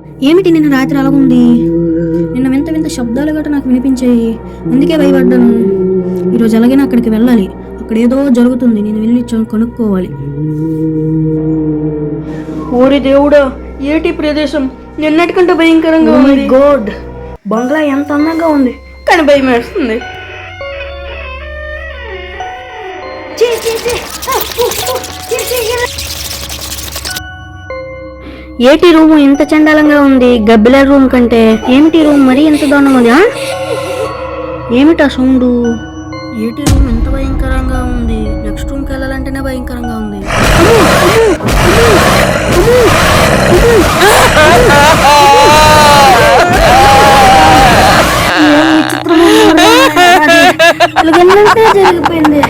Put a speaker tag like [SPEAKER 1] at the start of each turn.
[SPEAKER 1] ఏమిటి నిన్న రాత్రి అలాగుంది? నిన్న వింత వింత శబ్దాలు గట్రా నాకు వినిపించాయి, అందుకే భయపడ్డాను. ఈరోజు ఎలాగైనా అక్కడికి వెళ్ళాలి. అక్కడ ఏదో జరుగుతుంది, నేను వెళ్ళి కనుక్కోవాలి.
[SPEAKER 2] ఓరి దేవుడా, ఏటి ప్రదేశం నిన్నటికంటే భయంకరంగా ఉంది.
[SPEAKER 1] గాడ్, బంగ్లా ఎంత అందంగా ఉంది,
[SPEAKER 2] కానీ భయం వేస్తుంది.
[SPEAKER 1] ఏటి రూమ్ ఇంత చండాలంగా ఉంది, గబ్బిల రూమ్ కంటే. ఏమిటి రూమ్ మరీ ఎంత దారుణంగా ఉంది? ఏమిటా సౌండ్? ఏటి రూమ్ ఎంత భయంకరంగా ఉంది, నెక్స్ట్ రూమ్కి వెళ్ళాలంటేనే భయంకరంగా ఉంది. జరిగిపోయింది.